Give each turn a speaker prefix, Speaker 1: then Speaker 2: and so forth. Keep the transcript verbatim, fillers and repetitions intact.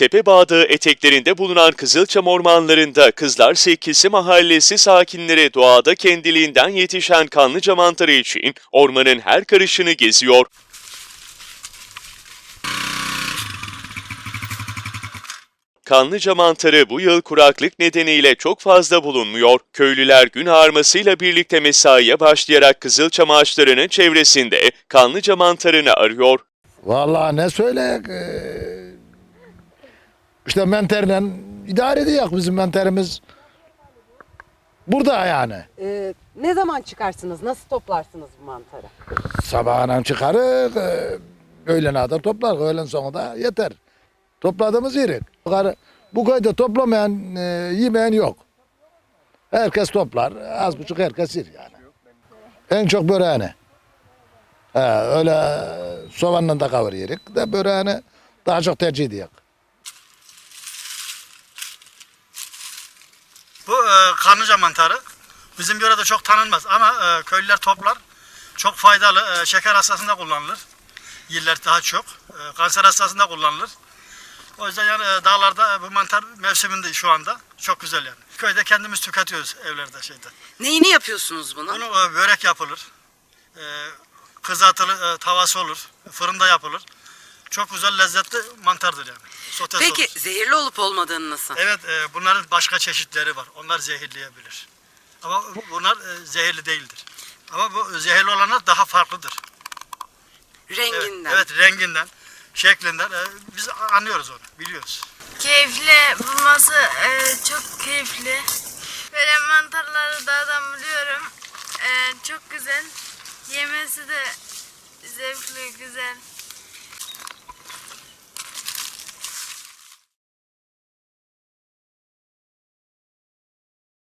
Speaker 1: Tepebağ eteklerinde bulunan Kızılçam ormanlarında Kızlar Sekkesi mahallesi sakinleri doğada kendiliğinden yetişen kanlıca mantarı için ormanın her karışını geziyor. Kanlıca mantarı bu yıl kuraklık nedeniyle çok fazla bulunmuyor. Köylüler gün ağarmasıyla birlikte mesaiye başlayarak Kızılçam ağaçlarının çevresinde kanlıca mantarını arıyor.
Speaker 2: Vallahi ne söyleyek, ee, işte menterle idare ediyor bizim menterimiz. Burada yani.
Speaker 3: Ee, ne zaman çıkarsınız? Nasıl toplarsınız bu mantarı?
Speaker 2: Sabahına çıkarır, ee, öğlene kadar toplar, öğlen sonu da yeter. Topladığımız yerik. Bu köyde toplamayan, ee, yemeyen yok. Herkes toplar, az buçuk herkes yer yani. En çok böreğini. He, öyle soğanla da kavur yerik de böreğini daha çok tercih ediyor.
Speaker 4: Bu e, kanlıca mantarı bizim yörede çok tanınmaz ama e, köylüler toplar. Çok faydalı. E, şeker hastasında kullanılır. Yiller daha çok. E, kanser hastasında kullanılır. O yüzden yani e, dağlarda e, bu mantar mevsiminde şu anda. Çok güzel yani. Köyde kendimiz tüketiyoruz evlerde şeyde.
Speaker 3: Neyini yapıyorsunuz bunu?
Speaker 4: Bunu e, börek yapılır. E, kızartılı e, tavası olur. Fırında yapılır. Çok güzel lezzetli mantardır yani. Sotesi
Speaker 3: Peki
Speaker 4: olur.
Speaker 3: zehirli olup olmadığını nasıl?
Speaker 4: Evet, e, bunların başka çeşitleri var. Onlar zehirleyebilir. Ama bu- bunlar e, zehirli değildir. Ama bu zehirli olanlar daha farklıdır. Evet,
Speaker 3: Renginden.
Speaker 4: evet renginden, şeklinden e, biz anlıyoruz onu, biliyoruz.
Speaker 5: Keyifli bulması e, çok keyifli. Böyle mantarları dağdan buluyorum. E, çok güzel. Yemesi de zevkli, güzel.